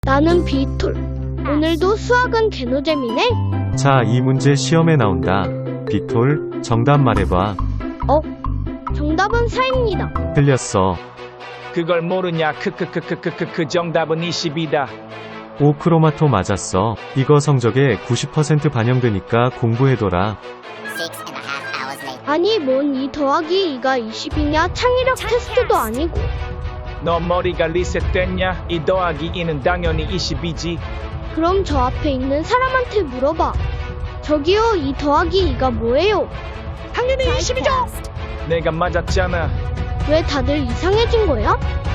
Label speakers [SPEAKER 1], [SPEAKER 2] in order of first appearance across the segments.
[SPEAKER 1] 나는 비톨. 오늘도 수학은 개노잼이네.
[SPEAKER 2] 자, 이 문제 시험에 나온다. 비톨, 정답 말해봐.
[SPEAKER 1] 정답은 4입니다.
[SPEAKER 2] 틀렸어.
[SPEAKER 3] 그걸 모르냐? 그 정답은 20이다.
[SPEAKER 2] 오크로마토 맞았어. 이거 성적에 90% 반영되니까 공부해둬라.
[SPEAKER 1] 아니 뭔 2 더하기 2가 20이냐? 창의력 테스트도 아니고.
[SPEAKER 3] 너 머리가 리셋됐냐? 2 더하기 2는 당연히 20이지.
[SPEAKER 1] 그럼 저 앞에 있는 사람한테 물어봐. 저기요, 2 더하기 2가 뭐예요?
[SPEAKER 4] 당연히 20이죠.
[SPEAKER 3] 내가 맞았잖아.
[SPEAKER 1] 왜 다들 이상해진 거야?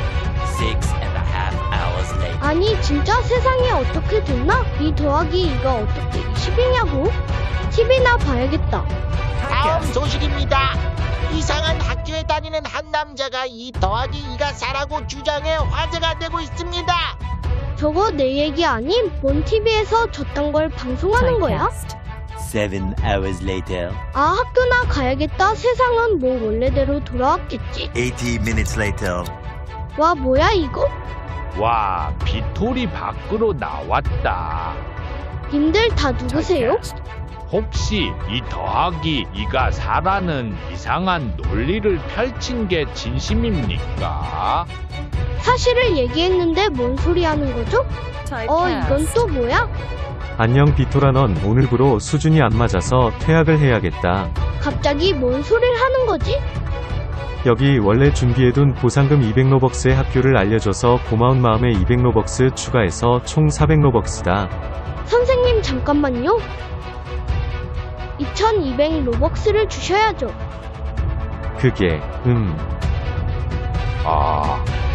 [SPEAKER 5] 6.5 hours later.
[SPEAKER 1] 아니 진짜 세상이 어떻게 됐나? 2 더하기 2가 어떻게 20이냐고? TV나 봐야겠다.
[SPEAKER 4] 다음 소식입니다. 이상한 학교에 다니는 한 남자가 2 더하기 2가 4라고 주장해 화제가 되고 있습니다.
[SPEAKER 1] 저거 내 얘기 아님? 뭔 TV에서 저딴 걸 방송하는 거야?
[SPEAKER 5] 7 hours later.
[SPEAKER 1] 아, 학교나 가야겠다. 세상은 뭐 원래대로 돌아왔겠지.
[SPEAKER 5] 80 minutes later.
[SPEAKER 1] 와, 뭐야 이거?
[SPEAKER 6] 와, 비톨이 밖으로 나왔다.
[SPEAKER 1] 님들 다 누구세요?
[SPEAKER 6] 혹시 2 더하기 2가 4라는 이상한 논리를 펼친 게 진심입니까?
[SPEAKER 1] 사실을 얘기했는데 뭔 소리 하는 거죠? 이건 또 뭐야?
[SPEAKER 2] 안녕 비톨아, 넌 오늘부로 수준이 안 맞아서 퇴학을 해야겠다.
[SPEAKER 1] 갑자기 뭔 소리를 하는 거지?
[SPEAKER 2] 여기 원래 준비해둔 보상금 200로벅스의 학교를 알려줘서 고마운 마음에 200로벅스 추가해서 총 400로벅스다.
[SPEAKER 1] 선생님 잠깐만요. 2200 로벅스를 주셔야죠.
[SPEAKER 2] 그게
[SPEAKER 6] 아,